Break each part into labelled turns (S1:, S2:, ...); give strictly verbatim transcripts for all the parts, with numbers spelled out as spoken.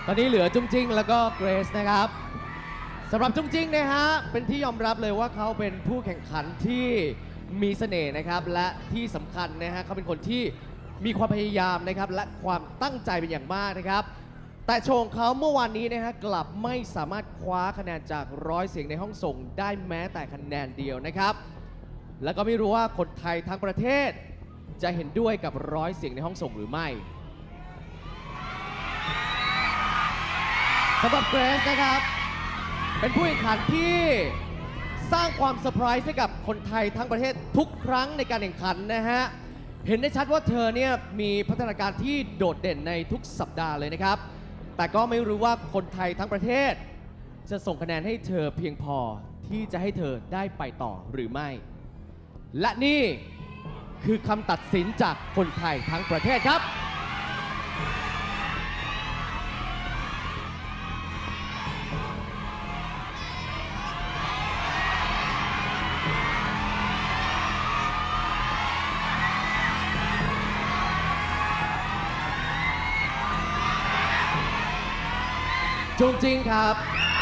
S1: ตอนนี้เหลือจุ้งจิ้งแล้วก็เกรซนะครับสำหรับจุ้งจิ้งนะฮะเป็นที่ยอมรับเลยว่าเขาเป็นผู้แข่งขันที่มีเสน่ห์นะครับและที่สำคัญนะฮะเขาเป็นคนที่มีความพยายามนะครับและความตั้งใจเป็นอย่างมากนะครับแต่โชว์ของเขาเมื่อวานนี้นะฮะกลับไม่สามารถคว้าคะแนนจากร้อยเสียงในห้องส่งได้แม้แต่คะแนนเดียวนะครับแล้วก็ไม่รู้ว่าคนไทยทั้งประเทศจะเห็นด้วยกับร้อยเสียงในห้องส่งหรือไม่สำหรับเกรซนะครับเป็นผู้แข่งขันที่สร้างความเซอร์ไพรส์ให้กับคนไทยทั้งประเทศทุกครั้งในการแข่งขันนะฮะเห็นได้ชัดว่าเธอเนี่ยมีพัฒนาการที่โดดเด่นในทุกสัปดาห์เลยนะครับแต่ก็ไม่รู้ว่าคนไทยทั้งประเทศจะส่งคะแนนให้เธอเพียงพอที่จะให้เธอได้ไปต่อหรือไม่และนี่คือคำตัดสินจากคนไทยทั้งประเทศครับจุงจริงครับ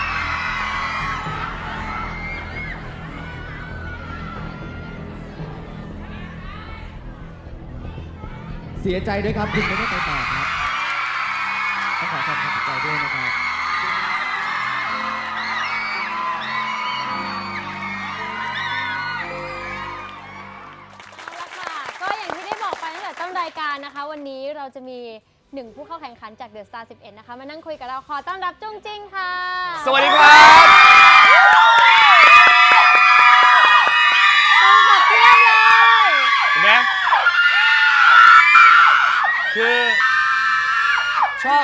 S1: เสียใจด้วยครับคุณไม่ได้ไปต่อครับต้องขอแสดงความเสียใจด้วยนะครับ
S2: เอาละค่ะก็อย่างที่ได้บอกไปตั้งแต่ต้นรายการนะคะวันนี้เราจะมีหนึ่งผู้เข้าแข่งขันจาก The Star สิบเอ็ดนะคะมานั่งคุยกับเราขอต้อนรับจุ้งจิ้งค่ะ
S3: สวัสดีครับ
S2: ต้องขับเทียบเลย
S3: เห็นไหมคือชอบ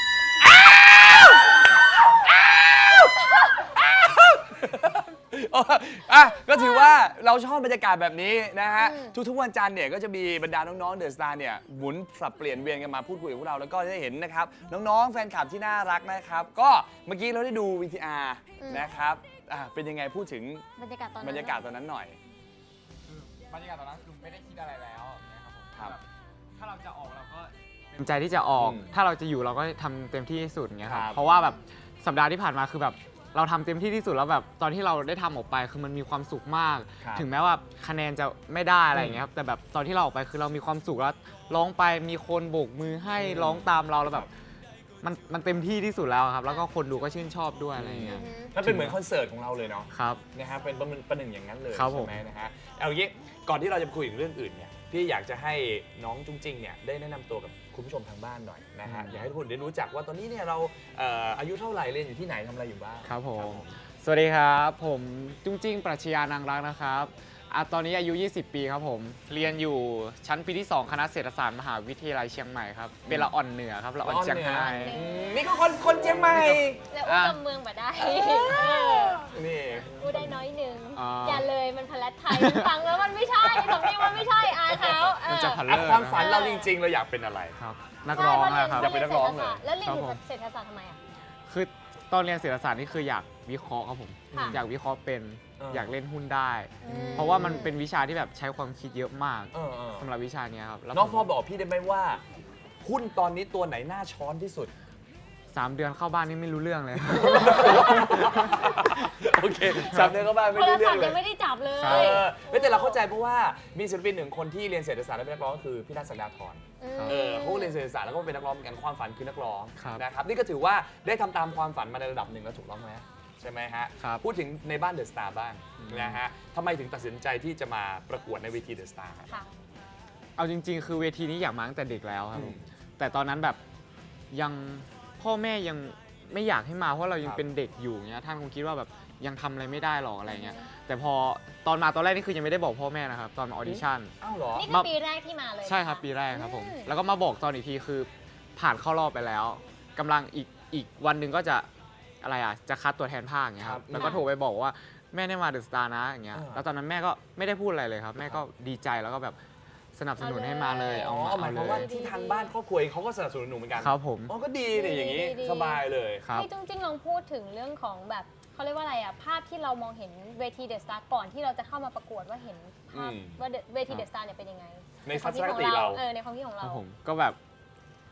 S3: อ่ะก็ถือว่าเราชอบบรรยากาศแบบนี้นะฮะทุกๆวันจันทร์เนี่ยก็จะมีบรรดาน้องๆเดอะสตาร์เนี่ยหมุนปรับเปลี่ยนเวียนกันมาพูดคุยกับพวกเราแล้วก็ได้เห็นนะครับน้องๆแฟนคลับที่น่ารักนะครับก็เมื่อกี้เราได้ดู วี ที อาร์ นะครับอ่ะเป็นยังไงพูดถึง
S2: บรรยากาศตอนนั้น
S3: บรรยากาศตอนนั้นหน่อย
S4: บรรยากาศตอนนั้นคือไม่ได้คิดอะไรแล้วนะครับผม
S3: ครับ
S4: แบบถ้าเราจะออกเราก็
S5: เต็มใจที่จะออก
S3: อืม
S5: ถ้าเราจะอยู่เราก็ทำเต็มที่ที่สุดอย่างเงี้ยครั
S3: ครับ บ
S5: เพราะว่าแบบสัปดาห์ที่ผ่านมาคือแบบเราทำเต็มที่ที่สุดแล้วแบบตอนที่เราได้ทำออกไปคือมันมีความสุขมาก
S3: ครับ
S5: ถึงแม้ว่าคะแนนจะไม่ได้อะไรอย่างเงี้ยครับแต่แบบตอนที่เราออกไปคือเรามีความสุขแล้วร้องไปมีคนโบกมือให้ร้องตามเราแล้วแบบมันมันเต็มที่ที่สุดแล้วครับแล้วก็คนดูก็ชื่นชอบด้วยอะไรอย่างเงี้ย
S3: มันเป็นเหมือนคอนเสิร์ตของเราเลยเนาะ
S5: ครับ
S3: นะฮะเป็นประมันประหนึ่งอย่างนั้นเลย
S5: ครับผม
S3: ใช่ไหมนะฮะเอาอย่างนี้ก่อนที่เราจะคุยถึงเรื่องอื่นเนี่ยพี่อยากจะให้น้องจุ้งจิ้งเนี่ยได้แนะนำตัวกับคุณผู้ชมทางบ้านหน่อยนะฮะอยากให้ทุกคนได้รู้จักว่าตอนนี้เนี่ยเราเอ่ออายุเท่าไหร่เรียนอยู่ที่ไหนทำอะไรอยู่บ้าง
S5: ครับผมสวัสดีครับผมจุ้งจิ้งปรัชญานางรักนะครับอ่ะตอนนี้อายุยี่สิบปีครับผมเรียนอยู่ชั้นปีที่สองคณะเศรษฐศาสตร์มหาวิทยาลัยเชียงใหม่ครับเป็นละอ่อนเหนือครับละอ่อนเชียงราย
S3: อืมนี่ก็คนคนเชียงใหม่
S2: แล้วอู้กำเมืองแบบได้
S3: นี่
S2: อู้ได้น้อยหนึ่ง
S5: อ๋ออ
S2: อย่าเลยมันพลัดไทยมันฟังแล้วมันไม่ใช่สำเนียงมันไม่ใช่อายเขาเอ
S5: มัน
S2: อ
S5: จะพัน
S3: อ่ะ
S5: เลิศ
S3: ความฝัน
S5: นะ
S3: เราจริงๆ เราอยากเป็นอะไร
S5: ครับนักร้องนะครับ
S3: อยากเป็นนักร้องเลย
S2: แล้วเรียน
S5: ครับผม
S2: เศรษฐศาสตร์ทำไมอ่ะ
S5: คือตอนเรียนเศรษฐศาสตร์นี่คืออยากวิเคราะห์ครับผม
S2: ค่ะ
S5: อยากวิเคราะห์เป็น
S3: เออ
S5: อ
S3: อ
S5: ยากเล่นหุ้นได้
S2: อืม
S5: เพราะว่ามันเป็นวิชาที่แบบใช้ความคิดเยอะมาก
S3: เออเออ
S5: สำหรับวิชาเนี้ยครับแล้ว
S3: น้อง
S5: ผม
S3: พ่อบอกพี่ได้ไหมว่า หุ้นตอนนี้ตัวไหนน่าช้อนที่สุด
S5: สามเดือนเข้าบ้านนี่ไม่รู้เรื่องเลย
S3: โอเคจำเนื้อก็บ้างไม่
S2: โทร
S3: รู้เรื่
S2: ศั
S3: อ
S2: พ
S3: ง
S2: ท์
S3: เล
S2: ยั
S3: ย
S2: งไม่ได้จับเลย
S3: เออไม่แต่เราเข้าใจเพราะว่ามีศิลปินหนึ่งคนที่เรียนเศรษฐศาสตร์และเป็นนักร้องก็คือพี่นัทศักดาธร
S2: ม
S3: เออเขาก็เรียนเศรษฐศาสตร์แล้วก็เป็นนักร้องเหมือนกันความฝันคือนักร้อง
S5: ครับ
S3: นะครับนี่ก็ถือว่าได้ทำตามความฝันมาในระดับหนึ่งแล้วถูกต้องไหมใช่ไหมฮะ
S5: ครับ
S3: พูดถึงในบ้านเดอะสตาร์บ้างนะฮะทำไมถึงตัดสินใจที่จะมาประกวดในเวทีเดอะสตาร์
S2: ค่ะ
S5: เอาจริง ๆ คือเวทีนี้อยากมาตั้งแต่เด็กแล้วครับ
S3: อื
S5: ผม มแต่ตอนนั้นแบบยังพ่อแม่ยังไม่อยากให้มาเพราะเรายั
S3: ค
S5: ง
S3: รับ
S5: เป็นเด็กอยู่เงี้ยท่านคงคิดว่าแบบยังทำอะไรไม่ได้หรอกอะไรเงี้ยแต่พอตอนมาตอนแรกนี่คือยังไม่ได้บอกพ่อแม่นะครับตอนมาออดิชั่น
S3: อ้าวเหรอ
S2: นี่คือปีแรกที่มาเลย
S5: ใช่ครับปีแรกครับผม
S2: อืม
S5: แล้วก็มาบอกตอนอีกทีคือผ่านเข้ารอบไปแล้วกำลังอีกอีกวันหนึ่งก็จะอะไรอ่ะจะคัดตัวแทนภาคอย่างเงี้ยค
S3: ครั
S5: รับบ แล้วก็โทรไปบอกว่าแม่ได้มาเดอะสตาร์นะอย่างเงี้ย
S3: อ่า
S5: แล้วตอนนั้นแม่ก็ไม่ได้พูดอะไรเลยครับ แม่ก็ดีใจแล้วก็แบบสนับสนุนให้มาเลย
S3: อ๋
S5: เอา
S3: อ
S5: มา
S3: หมา
S5: เอา
S3: ยค
S5: เล
S3: วามว่าย ที่ทางบ้านครอบครัวเองเขาก็สนับสนุนหนูเหมือนกัน
S5: ครับผม
S3: อ๋อก็ดีเนี่ยอย่างนี้
S2: ดีๆ
S3: สบายเลย
S5: ครับ
S2: ให้จุ้งจิ้งลองพูดถึงเรื่องของแบบเขาเรียกว่าอะไรอ่ะภาพที่เรามองเห็นเวทีเดอะสตาร์ก่อนที่เราจะเข้ามาประกวดว่าเห็นภาพ
S3: อืม
S2: ว่าเวทีเดอะสตาร์เนี่ยเป็นยังไง
S3: ในทัศนคติเรา
S2: เออในความคิดของ
S5: ค
S2: เรา
S5: รับผมก็แบบ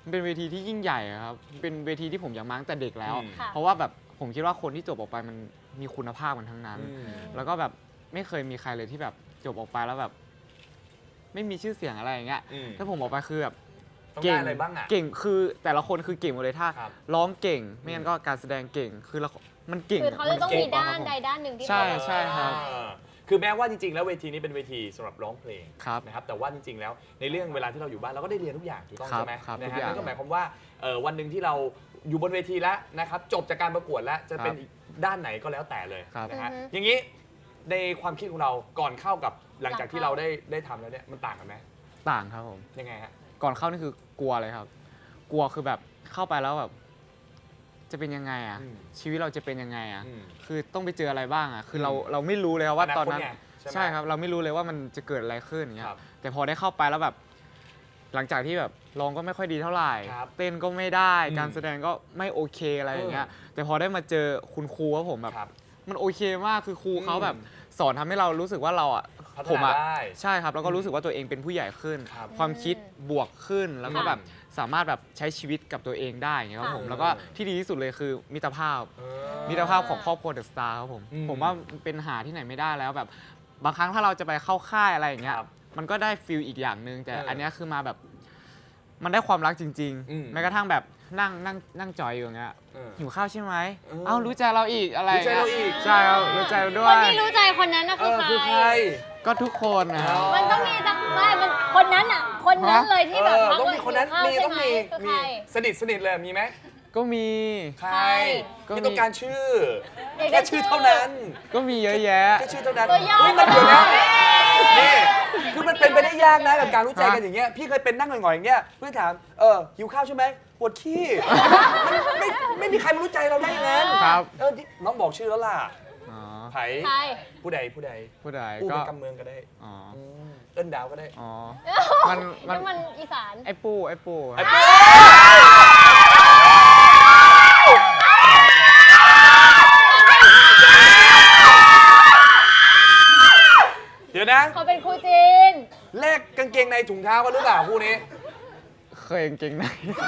S5: มันเป็นเวทีที่ยิ่งใหญ่อะครับเป็นเวทีที่ผมอยากมาตั้งแต่เด็กแล้ว
S3: อืม
S2: ค่ะ
S5: เพราะว่าแบบผมคิดว่าคนที่จบออกไปมันมีคุณภาพกันทั้งนั้น
S3: อืม
S5: แล้วก็แบบไม่เคยมีใครเลยที่แบบจบออกไปแล้วแบบ ไม่มีชื่อเสียงอะไรอย่างเงี้ย
S3: อืม
S5: ถ้าผมออกไปคือแบบ
S3: ต้องได้อะไรบ้างอ่ะ
S5: เก่งคือแต่ละคนคือเก่งหมดเลยถ้า
S3: ครับ
S5: ร้องเก่ง ไม่งั้นก็การแสดงเก่งคือละมันเก่ง
S2: คือเขาจะต้อง
S5: นก่
S2: มีด้าน
S5: ครับผม
S2: ใดด้านหนึ่งที่
S5: ใช่
S2: เขา
S5: ใช่ครับ
S3: อ่าคือแม้ว่าจริงๆ แล้วเวทีนี้เป็นเวทีสำหรับร้องเพลง
S5: ครับ
S3: นะครับแต่ว่าจริงๆ แล้วในเรื่องเวลาที่เราอยู่บ้านเราก็ได้เรียนทุกอย่างถูกต้อง
S5: ครับ
S3: ใช่ไหม
S5: ครับ
S3: นะ
S5: ทุก
S3: ฮะ
S5: อย่าง
S3: นั่นก็หมายความว่าเอ่อวันหนึ่งที่เราอยู่บนเวทีแล้วนะครับจบจากการประกวดแล้วจะเป็น
S5: ครับ
S3: อีกด้านไหนก็แล้วแต่เลย
S5: ครับ
S3: นะฮะ
S2: อือฮึ
S3: อย่างนี้ในความคิดของเราก่อนเข้ากับหลังจากที่
S2: หลัง
S3: เรา
S2: เข้า
S3: ได้ได้ทำแล้วเนี่ยมันต่างกันไหม
S5: ต่างครับผม
S3: ยังไงฮะ
S5: ก่อนเข้านี่คือกลัวเลยครับ กลัวคือแบบเข้าไปแล้วแบบ จะเป็นยังไงอ่ะ
S3: อืม
S5: ชีวิตเราจะเป็นยังไงอ่ะ
S3: อืม
S5: คือต้องไปเจออะไรบ้างอ่ะ คือเรา
S3: อืม
S5: เราไม่รู้เลยครับว่าตอนนั้น
S3: อนาคตไงใช่ไหม
S5: ใช่ครับ เราไม่รู้เลยว่ามันจะเกิดอะไรขึ้นอย่างเงี้ย
S3: ครับ
S5: แต่พอได้เข้าไปแล้วแบบ หลังจากที่แบบร้องก็ไม่ค่อยดีเท่าไหร่
S3: ครับ
S5: เต้นก็ไม่ได้
S3: อืม
S5: การแสดงก็ไม่โอเคอะไรอย่างเงี้ย แต่พอได้มาเจอคุณครูครับผมแบบ
S3: ครับ
S5: มันโอเคมาก คือครูเขา
S3: อืม
S5: แบบสอนทำให้เรารู้สึกว่าเราอ่ะ
S3: พัฒ
S5: ผม
S3: นา
S5: อ่ะ
S3: ได้
S5: ใช่ครับ แล้วก็รู้สึกว่าตัวเองเป็นผู้ใหญ่ขึ้น
S3: ครับ
S5: ความคิดบวกขึ้น แล้วก็
S2: ค่ะ
S5: แบบสามารถแบบใช้ชีวิตกับตัวเองได้อย่างเงี้ยครับผม
S3: ค่ะ
S5: แล้วก็ที่ดีที่สุดเลยคือมิตรภาพ
S3: เออ
S5: มิตรภาพของครอบครัวเดอะสตาร์ครับผม
S3: อืม
S5: ผมว่าเป็นหาที่ไหนไม่ได้แล้วแบบ บางครั้งถ้าเราจะไปเข้าค่ายอะไรอย่างเงี้ย
S3: ครับ
S5: มันก็ได้ฟิลอีกอย่างหนึ่งแต่
S3: เอออั
S5: อันเนี้ยคือมาแบบ มันได้ความรักจริง
S3: อืม
S5: ๆ แม้กระทั่งแบบนั่งนั่งนั่งจอยอยู่อย่างเงี้ย
S3: เออ
S5: หิวข้าวใช่ไหม
S3: เออ
S5: เอ้ารู้ใจเราอีกอะไร
S3: รู้ใจเราอีก
S5: ใช่ครับรู้ใจเราด้
S2: ค
S5: วน ย
S2: ที่รู้ใจคนนั้นน่ะ
S3: เอ
S2: คือ
S3: อ
S2: ใค
S3: คือใคร
S2: ร
S5: ก็ทุกคนนะครับ
S2: มันต้องมีสักไม่มันคนนั้นอ่ะ คนนั้นเลยที่แบบ
S3: เออ
S2: พัก
S3: ต้อง
S2: เลย
S3: มีคนนั้น
S2: ข้าว
S3: มี
S2: ใช่
S3: ต้อง
S2: ไหม
S3: มี
S2: คือ
S3: มี
S2: ใคร
S3: สนิทสนิทเลยมีไหม
S5: ก็มี
S3: ใคร
S2: ใคร
S5: ก็มี
S3: ที่ต้องการชื่อ
S2: อยากได้
S3: แค่ชื่อเท่านั้น
S5: ก็มีเยอะแยะ
S3: แค่ชื่อเท่านั้น
S2: ตัวย่อ
S3: เฮ้ยมันเดี๋ยวนะนี่คือมันเป็นไปได้ยากนะกับการรู้ใจกันอย่างเงี้ยพี่เคยเป็นนั่งหงอยๆอย่างเงี้ยเพื่อนถามเออหิวข้าวใช่ไหมปวดขี้มันไม่ไม่มีใครมารู้ใจเราได้อย่างนั้น
S5: ครับ
S3: เออที่น้องบอกชื่อแล้วล่ะ
S5: อ๋อ
S3: ไผ
S2: ใคร
S3: ผู้ใดผู้ใด
S5: ผู้ใด
S3: ผู้
S5: ก็
S3: เป็นกำเมืองก็ได้
S5: อ๋อ
S3: อืมเอิ้นดาวก็ได้
S5: อ๋อ มันมัน
S2: นี่มันอีสาน
S5: ไอ้ปูไอ้ปูครับ
S3: ไอ้ปูเดี๋ยวนะ
S2: เขาเป็นครูจีน
S3: แลกกางเกงในถุงเท้ากันหรือเปล่าคู่นี้
S5: เคยกางเกงใน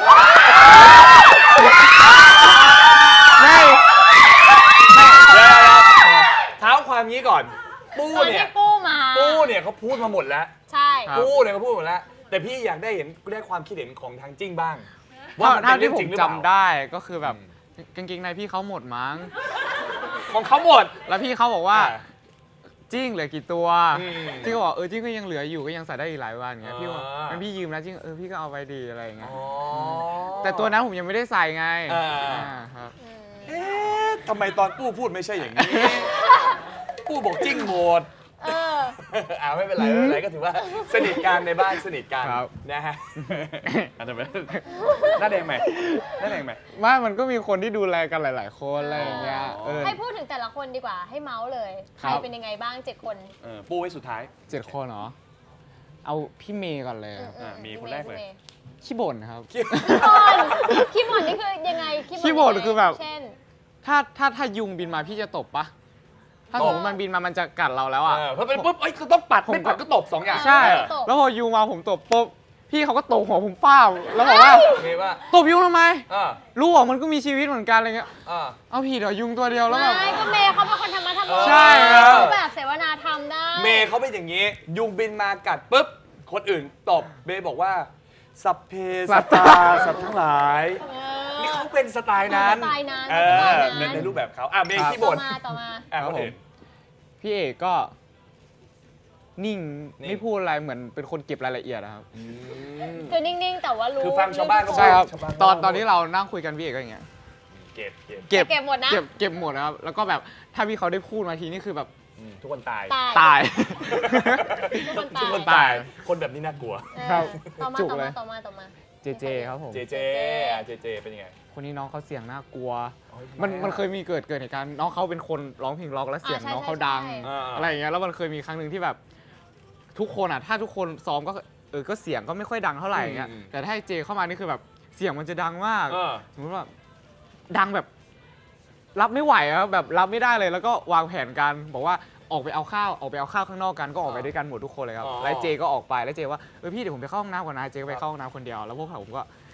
S5: ไม่
S3: เดี๋ยวๆเท้าความงี้ก่อน ปู
S2: ตอน
S3: เนี่
S2: ที่
S3: ย
S2: ปูมา
S3: ปูเนี่ยเขาพูดมาหมดแล้ว
S2: ใช่
S5: ครับ
S3: ปูเนี่ยเขาพูดหมดแล้ว แต่พี่อยากได้เห็นได้ความคิดเห็นของทางจิ้งบ้าง ว่า
S5: ว่า
S3: มัน
S5: เท่า
S3: เป็นเรื่
S5: ที่
S3: อง
S5: ผ
S3: จริ
S5: ม
S3: งหรือเปล่า
S5: จำได้ก็คือแบบกางเกงในพี่เขาหมดมั้ง
S3: ของเขาหมด
S5: แล้วพี่เขาบอกว่า
S3: อ่า
S5: จิ้งเหลือกี่ตัว
S3: อืม
S5: จิ้งก็บอกเออจิ้งก็ยังเหลืออยู่ก็ยังใส่ได้อีกหลายวันอย่างเงี้ยพี่บอก
S3: อ่างั้
S5: งั้นพี่ยืมแล้วจิ้งเออพี่ก็เอาไปดีอะไรอย่างเงี้ย
S3: อ๋อ
S5: แต่ตัวนั้นผมยังไม่ได้ใส่ไง
S3: อ่า
S5: อ่าครับ
S2: อืม
S3: เอ๊ะทำไมตอนปูพูดไม่ใช่อย่างนี้ ปูบอกจิ้งหมด
S2: เออ
S3: อ่าไม่เป็นไรไม่เป็นไรก็ถือว่าสนิทกันในบ้านสนิทกัน
S5: ครับ
S3: นะฮะอันนั้นเป็นหน้าแดงไหมหน้าแดงไหม
S5: ไม่มันก็มีคนที่ดูแลกันหลาย ๆ คนอะไรอย่างเงี้ย
S3: อ๋อ
S5: เออ
S2: ให้พูดถึงแต่ละคนดีกว่า ให้เมาส์เลย ใค
S5: ครั
S2: ร
S5: บ
S2: เป็นยังไงบ้างเจ็ดคน
S3: เออปูไว้สุดท้าย
S5: เจ็ดคนเหรอ เอาพี่เมย์ก่อนเลย
S2: อืม
S5: ครับ
S3: อ่ะมี
S2: พี่
S3: คนแรกเลย
S2: พี่มย์
S5: ขี้บ่นครับ
S2: ขี้บ่นขี้บ่นนี่คือยังไง
S5: ขี้บ่น
S2: ยังไง
S5: คือแบบ
S2: เช่น
S5: ถ้าถ้าถ้ายุงบินมาพี่จะตบปะถ้าสมมติมันบินมามันจะกัดเราแล้วอ่ะ
S3: เออเพราะเป็นปุ๊บเอ้ยก็ต้องปัด
S5: ผม
S3: ไม่ปัดก็ตบสองอย่าง
S5: ใช่
S2: เออตบ
S5: แล้วพอยุงมาผมตบปุ๊บพี่เขาก็ตบหัวผมเป้าแล้วบอกว่า
S3: มีว่า
S5: ตบยุงทำไม
S3: อ่า
S5: รู้ว่ามันก็มีชีวิตเหมือนกันอะไรเงี้ย
S3: อ่า
S5: เอาผิดเหรอยุงตัวเดียวแล้วแบบ
S2: ไม่ก็เมย์เขาเป็นคนธรรมะธรรโม
S3: ใช่
S5: ครับ
S2: เขาแบบเสวนาธรรมได้
S3: เมย์เขาเป็นอย่างนี้ ยุงบินมากัดปุ๊บ คนอื่นตบเมย์บอกว่า สัพเพสัตตาสัตว์ทั้งหลาย
S2: เอ
S3: นี่
S2: อ
S3: เขาเป็นสไตล์นั้น
S2: สไตล์นั้น
S3: เอ
S2: สไต
S3: อ
S2: ล์นั้น
S3: ในในรูปแบบเขาอ่ะเมย์ขี้
S2: ต่อ
S3: บ่น
S2: มาต่อมา
S3: อ่ะ
S5: ครับ
S3: คนอื่น
S5: พี่เอกก็นิ่ง
S3: นิ่ง
S5: ไม่พูดอะไรเหมือนเป็นคนเก็บรายละเอียดนะครับ
S2: คือนิ่ง ๆ แต่ว่ารู้
S3: คือฟังชาวบ้านก็
S5: ใช่ครับ
S3: ชาวบ้าน
S5: ตอนตอนที่เรานั่งคุยกันพี่เอกก็อย่างเงี้ย
S3: เก็บเก็บ
S5: เก็บ
S2: เก็บหมดนะ
S5: เก็บเก็บหมดนะครับ แล้วก็แบบถ้าพี่เขาได้พูดมาทีนี่คือแบบ
S3: อืมทุกคนตาย
S2: ตาย
S5: ตาย
S2: ทุกคนตาย
S3: ทุกคนตาย คนแบบนี้น่ากลัว
S2: เออ
S5: ครับ
S2: ต่อมา
S5: จุก
S2: ต่อ
S5: เล
S2: มาย ต่อมาต่อมา
S5: เจเจครับผม
S3: เจเจอ่ะเจเจเป็นยังไง
S5: คนนี้น้องเขาเสียงน่ากลัว
S3: อ๋อ
S5: มัน
S3: ทำไมอ่ะ
S5: มันเคยมีเกิดเกิดเหตุการณ์น้องเขาเป็นคนร้องเพลงร็อกแล้วเสียง
S2: อ่าใช่
S5: น้องเขา
S2: ใช่
S5: ดัง
S2: ใช่
S3: อ่า
S5: อะไรอย่างเงี้ยแล้วมันเคยมีครั้งหนึ่งที่แบบ ทุกคนอ่ะถ้าทุกคนซ้อมก็เออก็เสียงก็ไม่ค่อยดังเท่าไหร่อย่างเงี้ย
S3: อืม
S5: แต่ถ้าให้เจเข้ามานี่คือแบบเสียงมันจะดังมาก
S3: เออ
S5: สมมติว่าดังแบบ รับไม่ไหวอะแบบรับไม่ได้เลย แล้วก็วางแผนกันบอกว่าออกไปเอาข้าวออกไปเอาข้าวข้างนอกกันก็ออกไปด้วยกันหมดทุกคนเลยครับ
S3: อ๋อ
S5: แล้วเจก็ออกไปแล้วเจว่าเออพี่เดี๋ยวผมไปเข้าห้องน้ำก่อนนะเจก็ไปเข้าห้องน้ำคนเดียวแล้วพวกผมก็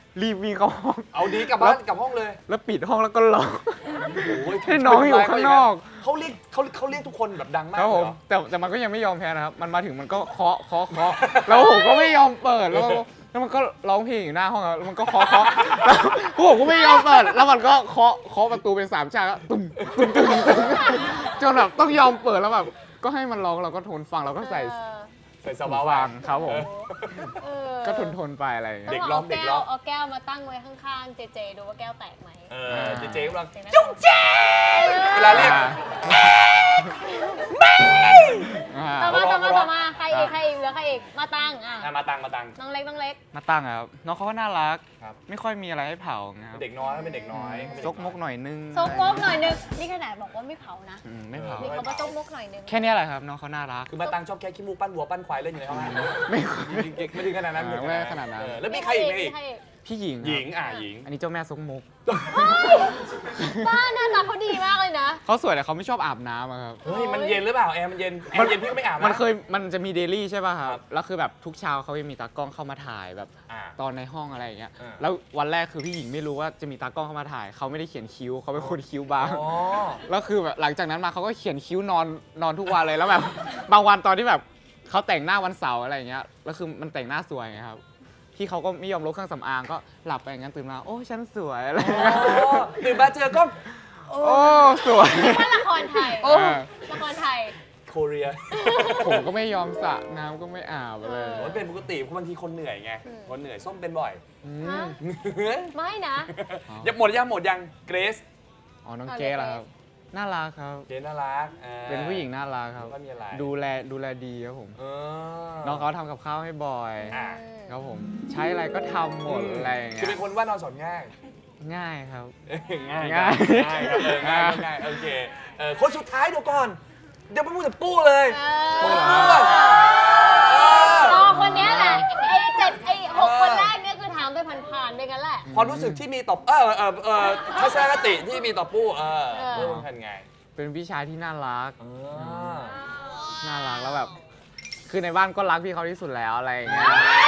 S5: รีบวิ่งเข้าห้อง
S3: เอาดีกลับบ้านกลับห้องเลย
S5: แล้วปิดห้องแล้วก็ล็อก
S3: โอ้ย
S5: ให้น้องอยู่ข้างนอก
S3: เขาเรียกเขาเขาเรียกทุกคนแบบดังมาก
S5: ครับ
S3: เล
S5: ผ
S3: ย
S5: ม
S3: เหรอ
S5: แต่แต่มันก็ยังไม่ยอมแพ้นะครับ มันมาถึงมันก็เคาะเคาะเคาะแล้วผมก็ไม่ยอมเปิดแล้วก็แล้วมันก็ร้องเพลงอยู่หน้าห้องแล้วมันก็เคาะเคาะแล้วผมก็ไม่ยอมเปิด แล้วมันก็เคาะเคาะประตูเป็นสามฉากแล้วตุ้มตุ้มตุ้มตุ้มจนแบบต้องยอมเปิดแล้วแบบก็ให้มันร้องเราก็ทนฟังเราก็ใส่
S2: เออ
S3: ใส่ส
S5: หู
S3: บาย
S5: ฟังครับผม
S2: เออ
S5: ก็ทนทนๆไปอะไรอย่างเงี้ย
S3: เด็ก
S2: ต้
S3: ร้
S2: อ
S3: อง
S2: ง
S3: เด็ก
S2: เอา
S3: ร้
S2: แก้
S3: อ
S2: ว
S3: ง
S2: เอาแก้วมาตั้งไว้ข้างๆเจเจดูว่าแก้วแตกไหม
S3: เออเจเจกำลัง
S2: เสียงนั้น
S3: จุ๊งแจ๊เวลาเรียก
S5: อ่า
S2: ต่อมาต่อมา
S3: ร้อง
S2: ต่อมาใครอีกใครอีกเหลือใครอีกมาตั้งอ่ะ
S3: อ่ะมาตังมาตัง
S2: น้องเล็กน้องเล็ก
S5: มาตั้งอะครับน้องเขาก็น่ารัก
S3: ครับ
S5: ไม่ค่อยมีอะไรให้เผานะครับ
S3: เด็กน้อยเป็นเด็กน้อย
S5: ซกมกหน่อยนึง
S2: ซกมกหน่อยนึงนี่ขนาดบอกว่าไม่เผานะ
S5: อืมไม่เผา
S2: มีคำว่าซกมกหน่อยนึง
S5: แค่เนี้ยแหละครับน้องเขาน่ารัก
S3: คือมาตังชอบแค่ขี้มูกปั้นวัวปั้นควายเล่นอยู่ในห้อง
S5: ไม่
S3: ไม่ถึงขนาดนั้น
S5: อ่าไม่ขนาดนั้น
S3: เออแล้วมีใครอีกไหมอีก
S2: ใครอีก
S5: พี่หญิงครับ
S3: หญิงอ่ะหญิง
S5: อันนี้เจ้าแม่ซกมก
S2: บ้านหน้าตาเขาดีมากเลยนะ
S5: เขาสวยแต่เขาไม่ชอบอาบน้ำอะครับ
S3: เฮ้ยมันเย็นหรือเปล่าแอร์มันเย็นแอร์เย็นพี่ก็ไม่อาบนะ
S5: มันเคยมันจะมีเดลี่ใช่ป่ะครั
S3: ครับ บ
S5: แล้วคือแบบทุกเช้าเขาจะมีตากล้องเข้ามาถ่ายแบบ
S3: อ่า
S5: ตอนในห้องอะไรอย่างเงี้ย
S3: อ่า
S5: แล้ววันแรกคือพี่หญิงไม่รู้ว่าจะมีตากล้องเข้ามาถ่ายเขาไม่ได้เขียนคิ้วเขาเป็นคนคิ้วบาง
S3: อ๋อ
S5: แล้วคือแบบหลังจากนั้นมาเขาก็เขียนคิ้วนอนนอนทุกวันเลยแล้วแบบ บางวันตอนที่แบบเขาแต่งหน้าวันเสาร์อะไรอย่างเงี้ยแล้วคือมันแต่งหน้าสวยไงครับพี่เขาก็ไม่ยอมลดเครื่องสำอางก็หลับไปอย่างนั้นตื่นมาโอ้ฉันสวยอะไรอย่างเงี้ย
S3: ตื่นมาเจอกล้อง
S5: โอ้สวย
S2: ว่าละครไทย
S5: โอ้
S2: ละครไทย
S3: โคเรีย
S5: ผมก็ไม่ยอมสระน้ำก็ไม่อาบเลย
S2: เออ
S3: มันเป็นปกติเพราะบางทีคนเหนื่อยไง
S2: อืม
S3: คนเหนื่อยส้มเป็นบ่อย
S5: ม
S2: ฮะไม่นะ
S3: ยังหมดยังหมดยังเกรซ
S5: อ๋อน้องเกรซเหรอครับน่ารักครับ
S3: เกรซน่ารักอ่า
S5: เป็นผู้หญิงน่ารักครับ
S3: แล้วก็มีอะไร
S5: ดูแลดูแลดีครับผม
S3: เออ
S5: น้องเขาทำกับข้าวให้บ่อย
S3: อ่า
S5: ครับผมใช้อะไรก็ทำหมดอะไรอย่าง
S3: คือ
S5: เงี้
S3: เป็
S5: ย
S3: นคนว่านอนสอนง่าย
S5: ง่ายครับ
S3: ง่าย
S5: ง่าย
S3: ง่ายครับเออง่ายง่ายโอเคเออคนสุดท้ายเดี๋ยวก่อน เดี๋ยวไปพูดถึงปู้เลย
S2: เอ
S3: พูด
S2: อ
S3: ถึงปู้ก่อนเออ
S2: รอคนเนี้ยแหละ ไอ้เจ็ดไอ้หกคนแรกเนี่ยคือถามไปผ่านๆไปกันแหละ
S3: ความรู้สึกที่มีต่อเออเออเออทัศนคติที่มีต่อปู้เออ
S2: เออ
S3: ปู้เป็นไง
S5: เป็นพี่ชายที่น่ารัก
S3: เออ
S5: น่ารักแล้วแบบ คือในบ้านก็รักพี่เขาที่สุดแล้วอะไรอย่างเงี้ย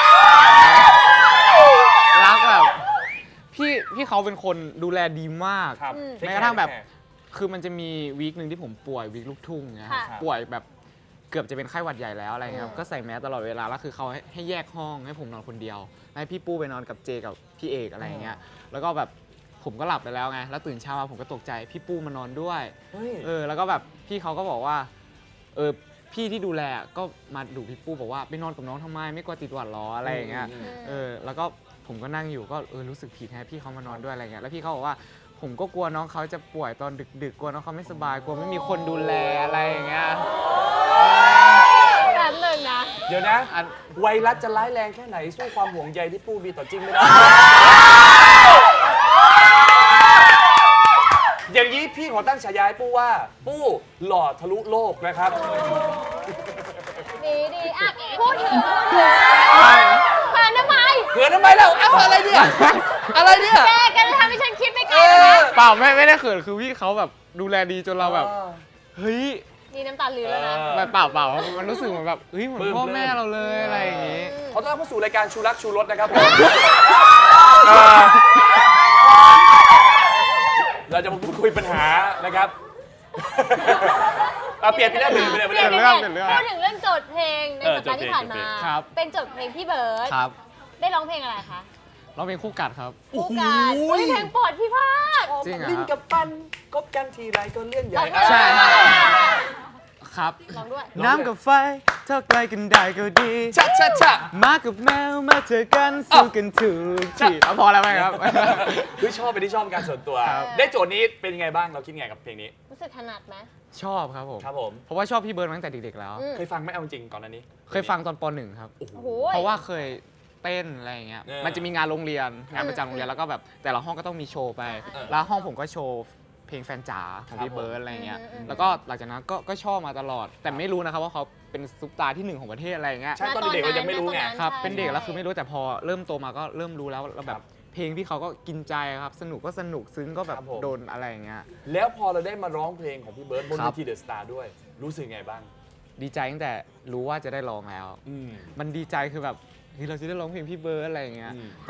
S5: รักแบบพี่พี่เขาเป็นคนดูแลดีมาก
S3: ครับ
S5: แม้กระทั่งแบบ คือมันจะมีวีคหนึ่งที่ผมป่วยวีคลูกทุ่งเงี้ย
S2: ค่ะ
S5: ป่วยแบบเกือบจะเป็นไข้หวัดใหญ่แล้วอะไรเงี้ยครับ
S2: อืม
S5: ก็ใส่แมสตลอดเวลาแล้วคือเขาให้ให้แยกห้องให้ผมนอนคนเดียวให้พี่ปู้ไปนอนกับเจกับพี่เอกอะไรอย่างเงี้ยแล้วก็แบบผมก็หลับไปแล้วไงแล้วตื่นเช้ามาผมก็ตกใจพี่ปู้มานอนด้วย
S3: เฮ้ย
S5: เออแล้วก็แบบพี่เขาก็บอกว่าเออพี่ที่ดูแลก็มาดูพี่ปู้บอกว่าไปนอนกับน้องทำไมไม่กลัวติดหวัดหรออะไรอย่างเงี้ย
S3: อืม
S5: เออแล้วก็ผมก็นั่งอยู่ก็เออรู้สึกผิดแฮะพี่เขามานอนด้วยอะไรเงี้ยแล้วพี่เขาบอกว่าผมก็กลัวน้องเขาจะป่วยตอนดึกๆกลัวน้องเขาไม่สบายกลัวไม่มีคนดูแลอะไรอย่างเงี้ย
S2: แบบหนึ่งนะ
S3: เดี๋ยวนะ
S5: อัน
S3: ไวรัสจะร้ายแรงแค่ไหนสู้ความห่วงใยที่ปู้มีต่อจริงไม่ได้ อย่างนี้พี่ขอตั้งฉายาให้ปู้ว่า ปู้หล่อทะลุโลกนะครับ
S2: ดีดีอ่ะ พูดถึงพูดถึงแฟนทำไม
S3: เขินทำไมแล้วเอ้าอะไรเนี่ย อะไรเนี่ย
S2: แกแกจะทำให้ฉันคิดไปไกล
S3: เอ
S2: แล้ว
S3: อ
S2: นะ
S5: เปล่าไม่ไม่ได้เขินคือพี่เขาแบบดูแลดีจนเราแบบเฮ้ย
S2: นี่น้ำตาลือแล้วนะ
S3: เออ
S5: แบบเปล่าเปล่ามันรู้สึกเหมือนแบบเฮ้ยเหมือน
S3: ปลื้ม
S5: พ่อ
S3: ปลื้ม
S5: แม่เราเลยอะไรอย่างงี้
S3: ขอต้อนรับเข้าสู่รายการชูรักชูรสนะครับผมเราจะมาพูดคุยปัญหานะครับเอาเปลี่ยนไปเรื่องอื่นไปเลยไป
S2: เปลี่ยน
S3: เลย
S2: เรื่อง
S5: เปลี่ยนเรื่อง
S2: พูดถึงเรื่องโจทย์เพลงใน
S3: เออ
S2: สัปดาห์ที่ผ่านมา
S3: โจทย์เพลง
S5: ครับ
S2: เป็นโจทย์เพลงพี่เบิร์ด
S5: ครับ
S2: ได้ร้องเพลงอะไรคะ
S5: เราเป็นคู่กัดครับ
S2: คู่กันอุ้ยเพลงโปรดพี่พาด
S5: จริงเหรอ
S3: ลิ้นกับฟันกบกันทีไรก็เรื่องใหญ่
S2: ลองด้วย
S5: ใช่ ครับ
S2: ลองด้วย
S5: น้ำกับไฟเท่าไกลกันได้ก็ดี
S3: ชะชะชะ
S5: หมากับแมวมาเจอกันสู้กันถูกที่เอาพอแล้วไหมครับ
S3: เฮ้ยชอบเป็นที่ชอบการส่วนตัว
S5: ครับ
S3: ได้โจทย์นี้เป็นยังไงบ้างเราคิดไงกับเพลงนี้
S2: รู้สึกถนัดไหม
S5: ชอบครับผม
S3: ครับผม
S5: เพราะว่าชอบพี่เบิร์ดมาตั้งแต่เด็กๆแล้ว
S2: อืม
S3: เคยฟังไหมเอาจริงก่อนหน้านี้
S5: เคยฟังตอนป หนึ่งครับ
S3: โอ้โห
S2: โอ้โห
S5: เพราะว่าเคยเต้นอะไรอย่างเงี้ย
S3: เออ
S5: มันจะมีงานโรงเรียน งานประจำโรงเรียนแล้วก็แบบแต่ละห้องก็ต้องมีโชว์ไป
S3: เออ
S5: แล้วห้องผมก็โชว์เพลงแฟนจ๋าของ
S3: ครับ
S5: พี่เบิร์ดอะไรเงี้ย
S2: อืมอืม
S5: แล้วก็หลังจากนั้นก็ก็ชอบมาตลอด แต่ไม่รู้นะครับว่าเขาเป็นซุปตาร์ที่หนึ่งของประเทศอะไรเงี้ย
S3: ใช่ตอนเด็กๆเรายังไม่รู้ไง
S5: ครับ
S2: ใช่
S5: เป็นเด็กแล้ว
S2: ใช่
S5: คือไม่รู้แต่พอเริ่มโตมาก็เริ่มรู้แล้วแล้วแบ
S3: ครับ บ
S5: เพลงพี่เขาก็กินใจครับ สนุกก็สนุกซึ้งก็แบบ
S3: ครับผม
S5: โดนอะไรอย่างเงี้ย
S3: แล้วพอเราได้มาร้องเพลงของพี่เบิร์ดบน
S5: ครั
S3: เว
S5: บ
S3: ทีเดอะสตาร์ด้วย รู้สึกไงบ้าง
S5: ดีใจตั้งแต่รู้ว่าจะได้ร้องแล้ว
S3: อืม
S5: มันดีใจคือแบบเฮ้ยเราจะได้ร้องเพลงพี่เบิร์ดอะไรอย่างเงี้ย
S3: อืม
S5: แต่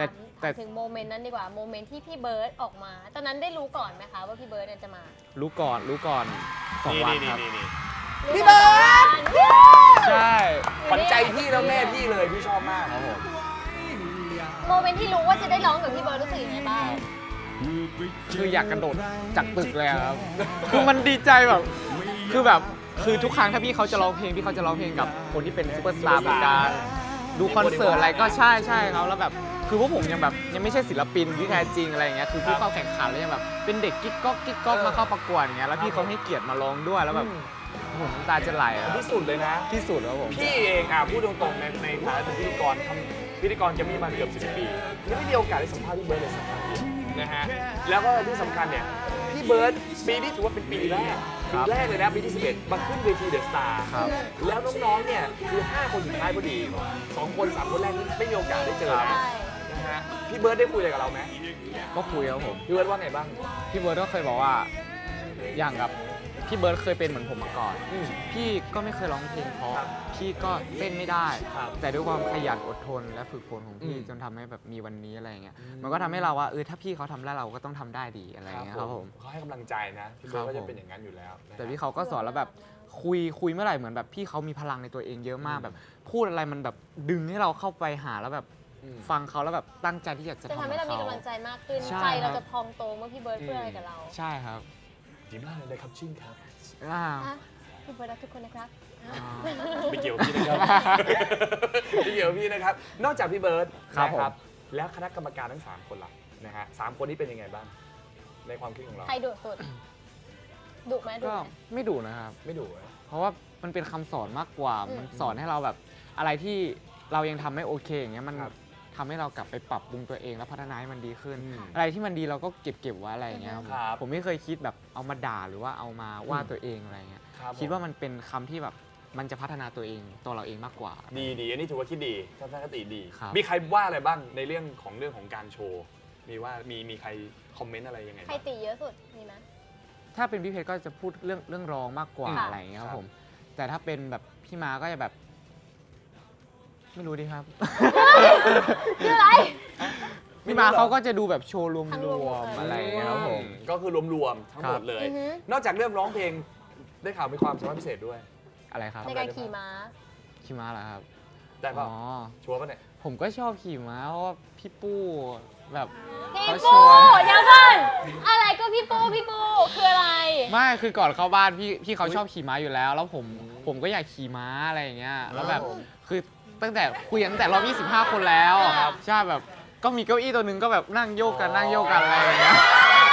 S5: แต่
S2: ถึงโมเมนต์นั้นดีกว่าโมเมนต์ที่พี่เบิร์ดออกมา ตอนนั้นได้รู้ก่อนไหมคะว่าพี่เบิร์ดเนี่ยจะมา
S5: รู้ก่อนรู้ก่อนสอง
S3: นี่
S5: วัน
S3: นี่
S5: ครับ
S3: นี่นี่
S2: พี่เบิร์ด
S5: ใช่
S3: ขวัญใจพี่แล้วแม่พี่เลยพี่ชอบมาก
S5: ครับผม
S2: โมเมนต์ที่รู้ว่าจะได้ร้องกับพี่เบิร์ดรู้สึกยังไงบ้าง
S5: คืออยากกระโดดจากตึกเลยอะครับ คือมันดีใจแบบ คือแบบ คือทุกครั้งถ้าพี่เขาจะร้องเพลงพี่เขาจะร้องเพลงกับคนที่เป็นซูเปอร์สตาร์เหมือนกันดูคอนเสิร์ตอะไรก็ใช่ใช่ครับแล้วแบบ คือพวกผมยังแบบยังไม่ใช่ศิลปินที่แท้จริงอะไรอย่างเงี้ย คือผู้เข้าแข่งขันแล้วยังแบบเป็นเด็กกิ๊กก๊อกกิ๊กก๊อกมาเข้าประกวดอย่างเงี้ย แล้วพี่เขาให้เกียรติมาร้องด้วยแล้วแบบผมน้ำตาจะไหลอะ
S3: ที่สุดเลยนะ
S5: ที่สุดแล้วผม
S3: พี่เองอ่ะพูดตรงๆในในฐานะเป็นพิธีกรทำพิธีกรจะมีมาเกือบสิบปียังไม่มีโอกาสได้สัมภาษณ์พี่เบิร์ดเลยสักครั้งเดียวนะฮะแล้วก็ที่สำคัญเนี่ยพี่เบิร์ดปีนี้ถือว่าเป็นปีแรกปีแรกเลยนะปีที่สิบเอ็ดมาขึ้นเวทีเดอะสตาร์
S5: ครับ
S3: แล้วน้องๆเนี่ยคือห้าคนสุดท้ายพอดีสองคนสามคนแรกนี่ไม่มีโอกาสได้เจอนะ
S2: ใช่
S3: นะฮะพี่เบิร์ดได้คุยอะไรกับเราไหม
S5: ก็คุยครับผม
S3: พี่เบิร์ดว่าไงบ้าง
S5: พี่เบิร์ดก็เคยบอกว่าอย่างกับพี่เบิร์ดเคยเป็นเหมือนผมมาก่อน
S3: อืม
S5: พี่ก็ไม่เคยร้องเพลงเพราะ
S3: ครับ
S5: พี่ก็เต้นไม่ได้
S3: ครับ
S5: แต่ด้วยความขยันอดทนและฝึกฝนของพี่
S3: อืม
S5: จนทำให้แบบมีวันนี้อะไรอย่างเงี้ยมันก็ทำให้เราว่าเออถ้าพี่เขาทำได้เราก็ต้องทำได้ดีอะไรอย่างเงี้ยครับผม
S3: เขาให้กำลังใจนะพี่เบิร์ด
S5: ครับ
S3: ก็จะ
S5: ผม
S3: เป็นอย่างนั้นอยู่แล้วนะฮะ
S5: แต่พี่เขาก็สอนแล้วแบบคุยคุยเมื่อไหร่เหมือนแบบพี่เขามีพลังในตัวเองเยอะมากแบบพูดอะไรมันแบบดึงให้เราเข้าไปหาแล้วแบบ
S3: อืม
S5: ฟังเขาแล้วแบบตั้งใจที่อยากจะ
S2: จะ
S5: ทำ
S2: ทำให้เรามี
S5: กับ
S2: กำลังใจมากขึ้น
S5: ใช่
S2: ใจเรา
S5: ครับ
S2: จะพองโตเมื่อพี่เบิร์ดพูดอะไรกับเรา
S5: ใช่ครับ
S3: ดีมากเลยนะครับชิ่งครับ
S5: อ่า
S2: อ่ะพี่เบิร์ดรักทุกคนนะครับ
S5: อ่า
S3: ไม่เกี่ยวกับพี่นะครับ ไม่เกี่ยวกับพี่นะครับ นอกจากพี่เบิร์ด
S5: ครับ
S3: นะ
S5: ผม
S3: แล้วคณะกรรมการทั้งสามคนล่ะนะฮะสามคนนี้เป็นยังไงบ้าง ในความคิดของเรา
S2: ใครดุสุดดุไหมดุ
S5: ก็
S2: ไหม
S5: ไม่ดุนะครับ
S3: ไม่ดุเหรอ
S5: เพราะว่ามันเป็นคำสอนมากกว่า
S2: อืม
S5: มันสอนให้เราแบบอะไรที่เรายังทำไม่โอเคอย่างเงี้ยมัน
S3: ครับ
S5: ทำให้เรากลับไปปรับปรุงตัวเองแล้วพัฒนาให้มันดีขึ้น
S3: อืม
S5: อะไรที่มันดีเราก็เก็บเก็บไว้อะไรอย่างเงี้ยครับ
S3: ครับ
S5: ผมไม่เคยคิดแบบเอามาด่าหรือว่าเอามาว่าตัวเองอะไรเงี้ย
S3: ครับ
S5: คิดว่ามันเป็นคำที่แบบมันจะพัฒนาตัวเองตัวเราเองมากกว่า
S3: ดีดีอันนี้ถือว่าคิดดีทัศนคติดี
S5: ครับ
S3: มีใครว่าอะไรบ้างในเรื่องของเรื่องของการโชว์ มีว่ามีมีใครคอมเมนต์อะไรยังไง
S2: ใคร
S3: บ้าง
S2: ตีเยอะสุดมีไหม
S5: ถ้าเป็นพี่เพชรก็จะพูดเรื่องเรื่องร้องมากกว่า
S2: ค่ะ
S5: อะไรอย่างเงี้ยค
S3: ครั
S5: รับบ ผม แต่ถ้าเป็นแบบพี่มาก็จะแบบ ไม่รู้ดิครับ
S2: คืออะไร
S5: พี่มาเขาก็จะดูแบบโชว์รวม
S2: ทั้ง
S5: ร
S2: รว
S5: ว
S2: ม
S5: ม
S2: ๆ
S5: อะไรอย่างเงี้ยครับผม
S3: ก็คือรวมๆทั้งหมดเลย
S2: อือฮึ
S3: นอกจากเรื่องร้องเพลงได้ข่าวมีความสามารถพิเศษด้วย
S5: อะไรครับ
S2: ในการขี่ม้า
S5: ขี่ม้าเหรอครับ
S3: ได้เปล่า
S5: อ๋อ
S3: ชัวร์ป่ะเนี่ย
S5: ผมก็ชอบขี่ม้าเพราะว่าพี่ปู้แบบ
S2: พี่
S5: เขาช
S2: ปู
S5: วน
S2: เดี๋ยวก่อนอะไรก็พี่ปูพี่ปูคืออะไร
S5: ไม่คือก่อนเข้าบ้านพี่พี่เขาชอบขี่ม้าอยู่แล้ว แล้วผมผมก็อยากขี่ม้าอะไรอย่างเงี้ยแล้วแบบคือตั้งแต่คุยกันตั้งแต่รอบยี่สิบห้าคนแล้ว
S2: ครับ
S5: ใช่แบบก็มีเก้าอี้ตัวหนึงก็แบบนั่งโยกกันนั่งโยกกันอะไรอย่างเงี้ย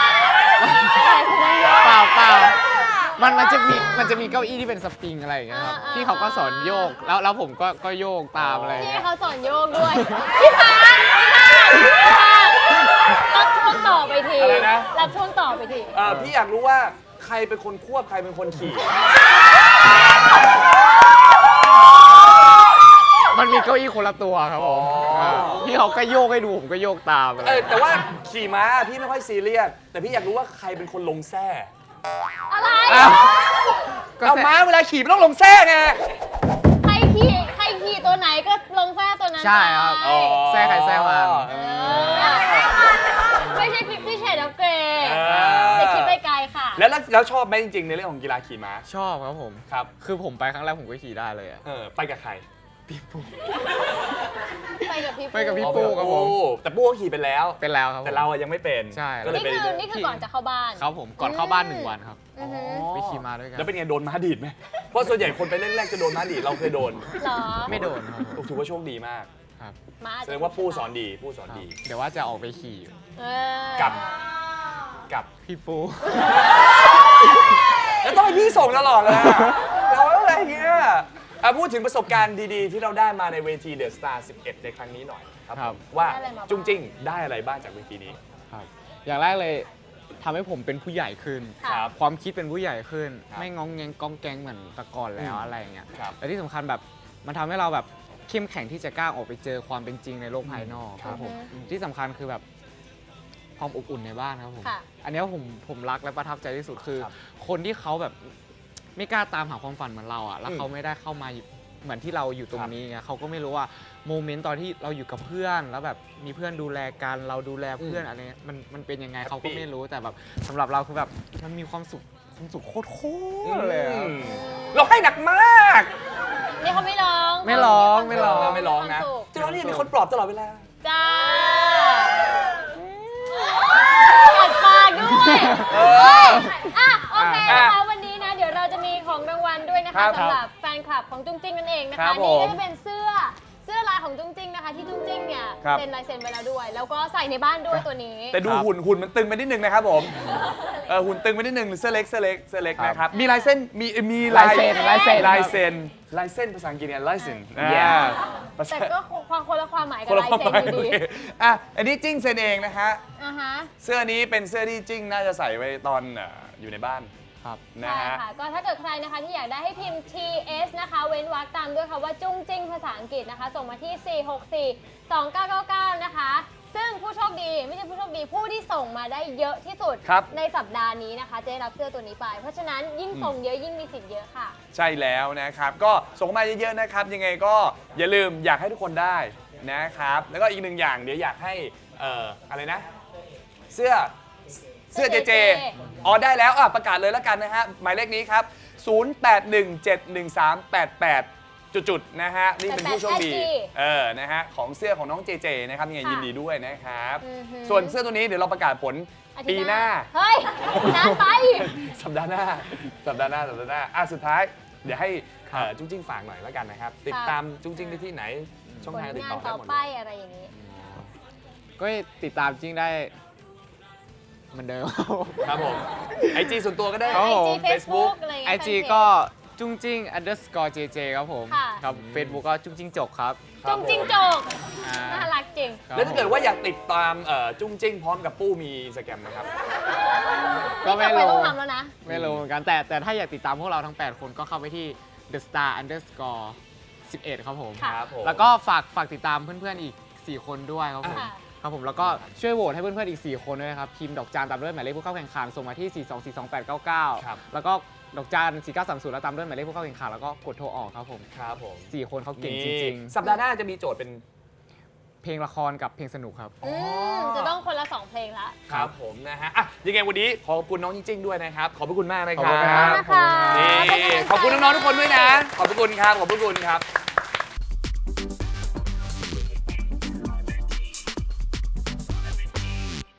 S5: เปล่าเปล่ามันมันจะมีมันจะมีเก้าอี้ที่เป็นสปริงอะไรอย่างเงี้ยครับ
S2: อ่าๆ
S5: พี่เขาก็สอนโยกแล้วแล้วผมก็ก็โยกตามอะไรอย่าง
S2: พี่
S5: เงี้ย
S2: เขาสอนโยกด้วย พี่พานพี่พานรับช่วงต่อไปที
S3: อะไรนะ
S2: รับช่วงต่อไปที
S3: เอ่อพี่อยากรู้ว่าใครเป็นคนควบใครเป็นคนขี่
S5: มันมีเก้าอี้คนละตัวครับผม
S3: อ๋อ
S5: าพี่เขาก็โยกให้ดูผมก็โยกตามอะไร
S3: เออแต่ว่าขี่ม้าพี่ไม่ค่อยซีเรียสแต่พี่อยากรู้ว่าใครเป็นคนลงแส้
S2: อะไร
S5: อ้าวก็
S3: เอา
S5: แซะ
S3: ม้าเวลาขี่มันต้องลงแส้ไง
S2: ใครขี่ใครขี่ตัวไหนก็ลงแฟ้ตัวนั้น
S5: ใช่ครับ
S2: ไป
S3: อ๋อ
S5: แซ่ใครแซ่มัน
S2: เออไม่ใช่ฟิฟตี้เชดof เกรย์
S3: เออ
S2: แต่คิดไปไกลค่ะ
S3: แล้วแล้วแล้วชอบไหมจริงๆในเรื่องของกีฬาขี่ม้า
S5: ชอบครับผม
S3: ครับ
S5: คือผมไปครั้งแรกผมก็ขี่ได้เลยอะ
S3: เออไปกับใคร
S2: ไปกับพี่
S5: ไปกับพี่
S3: อ๋อ
S5: ปูครับผม
S3: ปูแต่ปูก็ขี่ไปแล้ว
S5: เป็นแล้วครับผม
S3: แต่เราอะยังไม่เป็น
S5: ใช่
S3: ก็เลย
S2: นี่
S3: ไป
S2: คือนี่คือก่อนจะเข้าบ้าน
S5: ครับผมก่อนเข้าบ้านหนึ่งวันครับ
S2: อือหือ
S5: ไปขี่มาด้วยกัน
S3: แล้วเป็นไงโดนม้าดีดไหมเพราะส่วนใหญ่คนไปเล่นแรกจะโดนม้าดีดเราเคยโดน
S2: เหรอ
S5: ไม่โดนครับ
S3: โอ้ถือว่าโชคดีมาก
S5: ครับ
S2: มาอจ
S3: แส
S2: จะ
S3: ดงว่าปูสอนดีปูสอน
S5: ครับ
S3: ดี
S5: เดี๋ยวว่าจะออกไปขี่
S2: เออ
S3: กับ กับ
S5: พี่ปู
S3: แล้วต้องให้พี่ส่งตลอดเลยอะเราอะไรเงี้ยอ่ะพูดถึงประสบการณ์ดีๆ ที่เราได้มาในเวทีเดอะสตาร์สิบเอ็ดในครั้งนี้หน่อยครับ
S5: ครับ
S3: ว่า
S2: ได้อะไรมาบ้าง
S3: จุงจริงได้อะไรบ้างจากเวทีนี้
S5: ครับ อย่างแรกเลยทำให้ผมเป็นผู้ใหญ่ขึ้น
S2: ค่ะ
S3: ครับ
S5: ความคิดเป็นผู้ใหญ่ขึ้น
S3: ครับ
S5: ไม่งองแงงก้องแกงเหมือนแต่ก่อนแล้ว
S3: อืม
S5: อะไรอย่างเงี้ย
S3: ครับ
S5: และที่สำคัญแบบมันทำให้เราแบบเข้มแข็งที่จะกล้าออกไปเจอความเป็นจริงในโลกภายนอก
S3: ค
S5: ค
S3: รั
S5: รั
S3: บบ
S5: ผม
S2: อือฮึ
S5: ที่สำคัญคือแบบความอบอุ่นในบ้านครับผม
S2: ค่ะ
S5: อันเนี้ยผมผมรักและประทับใจที่สุดคือ
S3: ครับ
S5: คนที่เขาแบบไม่กล้าตามหาความฝันเหมือนเราอ่ะแล้ว
S3: อืม
S5: เขาไม่ได้เข้ามาเหมือนที่เราอยู่ตรงนี้ไงเขาก็ไม่รู้ว่าโมเมนต์ตอนที่เราอยู่กับเพื่อนแล้วแบบมีเพื่อนดูแลกันเราดูแลเพื่อนอะไรเงี้ยมันมันเป็นยังไงเขาก็ไม่รู้แต่แบบสำหรับเราคือแบบมันมีความสุขความสุขโคตรโคตรเลยอะ
S3: เราให้หนักมาก
S2: นี่เขาไม่ร้อง
S5: ไม่ร้องไม่ร้อง
S3: ไม่ร้องนะ
S2: มีความสุข
S3: เจ้านี่มีคนปลอบตลอดเวลา
S2: จ้ากัดปากด้วย
S3: เออ
S2: อ่ะโอเค
S3: อ่ะ
S2: นะคะวันนี้นะเดี๋ยวเราจะมีของรางวัลด้วยนะ
S3: ครั
S2: คะ
S3: บ
S2: สำหรับแฟนคลับของจุ้งจิ้งนั่นเองนะ
S3: ครั
S2: คะ
S3: บผม
S2: นี่ก็จะเป็นเสื้อเสื้อลายของจุ้งจิ้งนะคะ ที่จุ้งจิ้งเนี่ย
S3: ครับ
S2: เซ็นลายเซ็นไปแล้วด้วย แล้วก็ใส่ในบ้านด้วยตัวนี้
S3: แต่ดูหุ่นหุ่นมันตึงไปนิดนึงนะครับผม เออหุ่นตึงไปนิดนึงเสื้อเล็กเสื้อเล็กเสื้อเล็กนะครับ มีลายเส้นมีมี
S5: ลายเซ็นลายเซ็น
S3: ลายเซ็นลายเส้นภาษาอังกฤษเนี่ยลายเซ็น
S5: Yeah
S3: ภาษา
S2: แต่ก็ความคนละความหมายกับ
S3: คนละ
S2: ลาย
S3: ความ
S2: เซ็น
S3: หมาย
S2: อยู่ดี
S3: อ่ะอันนี้จิ้งเซ็นเองนะฮะ
S2: อ่าฮะ
S3: เสื้อนี้เป็นเสื้อที่จิ้งน่าจะใส่ไว้ตอนเอ่ออยู่ในบ้าน
S5: ครับ
S3: นะ
S2: ใช่
S3: ฮะ
S2: ค่ะ ก็ถ้าเกิดใครนะคะที่อยากได้ให้พิมพ์ ที เอส นะคะ เว้นวรรคตามด้วยคำว่าจุ้งจิ้งภาษาอังกฤษนะคะ ส่งมาที่ สี่ หก สี่ สอง เก้า เก้า เก้า นะคะ ซึ่งผู้โชคดีไม่ใช่ผู้โชคดีผู้ที่ส่งมาได้เยอะที่สุด
S3: ครับ
S2: ในสัปดาห์นี้นะคะ จะได้รับเสื้อตัวนี้ไป เพราะฉะนั้นยิ่งส่งเยอะยิ่งมีสิทธิ์เยอะค่ะ
S3: ใช่แล้วนะครับ ก็ส่งมาเยอะๆนะครับ ยังไงก็อย่าลืมอยากให้ทุกคนได้นะครับ แล้วก็อีกหนึ่งอย่างเดี๋ยวอยากให้เอ่ออะไรนะ เสื้อเสื้อเจเจ อ๋อได้แล้วอ่ะประกาศเลยแล้วกันนะฮะ หมายเลขนี้ครับ ศูนย์ แปด หนึ่ง เจ็ด หนึ่ง สาม แปด แปด จุดๆนะฮะ นี่เป็นผู้โชคดี
S2: แปดแปด
S3: เออ นะฮะ ของเสื้อของน้องเจเจนะครับยังไง
S2: ค่ะ
S3: ยินดีด้วยนะครับ
S2: อือหือ
S3: ส่วนเสื้อตัวนี้เดี๋ยวเราประกาศผล
S2: อาทิ
S3: ปี
S2: ตย์
S3: หน้า
S2: เฮ้ยนานไป
S3: สัปดาห์หน้า สัปดาห์หน้า สัปดาห์หน้า อ่ะ สุดท้าย เดี๋ยวให้
S5: ครับ
S3: เอ่อจุ้งจิ้งฝากหน่อยแล้วกันนะครับ ติดตามจุ้งจิ้งได้ที่ไหน ช่อง
S2: ผล
S3: ทางติด
S2: งาน
S3: ต่อได้
S2: ต่อ
S3: หมด
S2: ไป
S3: เลย
S2: อะไรอย่างนี้
S5: ก็ติดตามจริงได้เหมือนเดิม
S3: ครับผม ไอจีส่วนตัวก็ได้
S5: ครับ
S2: ไอ
S5: ผม
S2: จีเฟซบุ๊กอะไรอย่าง
S5: ไอ
S2: เงี้ย
S5: จี
S2: แฟนเพจ
S5: ก็จุ้งจิ้ง underscore jj ครับผม
S2: ค่ะ
S5: ครับ Facebook ก็จุ้งจิ้งจกครับ
S2: จุ้งจิ้งจก
S5: อ่า
S2: น่ารักจริง
S5: ครับ
S3: แล้วถ้าเกิดว่าอยากติดตามเอ่อจุ้งจิ้งพร้อมกับปู้มีอินสตาแกรมนะครับ
S5: ก็ไม่
S2: นี่
S5: รู้
S2: ต่อปต้องทำแล้วนะ
S5: ไม่รู้เหมือนกันแต่แต่ถ้าอยากติดตามพวกเราทั้ง แปด คนก็เข้าไปที่ the star underscore สิบเอ็ดครับผม
S2: ค่ะ
S3: ครับผม
S5: แล้วก็ฝากฝากติดตามเพื่อนๆอีก สี่ คนด้วยครับผม
S2: ค่ะ
S5: ครับผมแล้วก็ช่วยโหวตให้เพื่อนๆอีก สี่ คนด้วยนะครับพิมพ์ดอกจานตามด้วยหมายเลขผู้เข้าแข่งขันส่งมาที่ สี่ สอง สี่ สอง แปด เก้า เก้า
S3: ครับ
S5: แล้วก็ดอกจาน สี่ เก้า สาม ศูนย์แล้วตามด้วยหมายเลขผู้เข้าแข่งขันแล้วก็กดโทรออกครับผม
S3: ครับผม
S5: สี่ คนเขาเก่งจริง
S3: นี่สัปดาห์หน้าจะมีโจทย์เป็น
S5: ๆ เพลงละครกับเพลงสนุกครับ
S2: อืมจะต้องคนละสองเพลงละ
S3: ครับผมนะฮะ อ่ะ ยังไงวันนี้ขอบคุณน้องจิ้งๆด้วยนะครับ ขอบพระคุณมากนะค
S5: ขอบ
S3: รั
S5: คุณครับ บ
S2: นะคะ
S3: นี่ขอบคุณน้องๆทุกคนด้วยนะ ขอบพระคุณครับ ขอบพระคุณครับ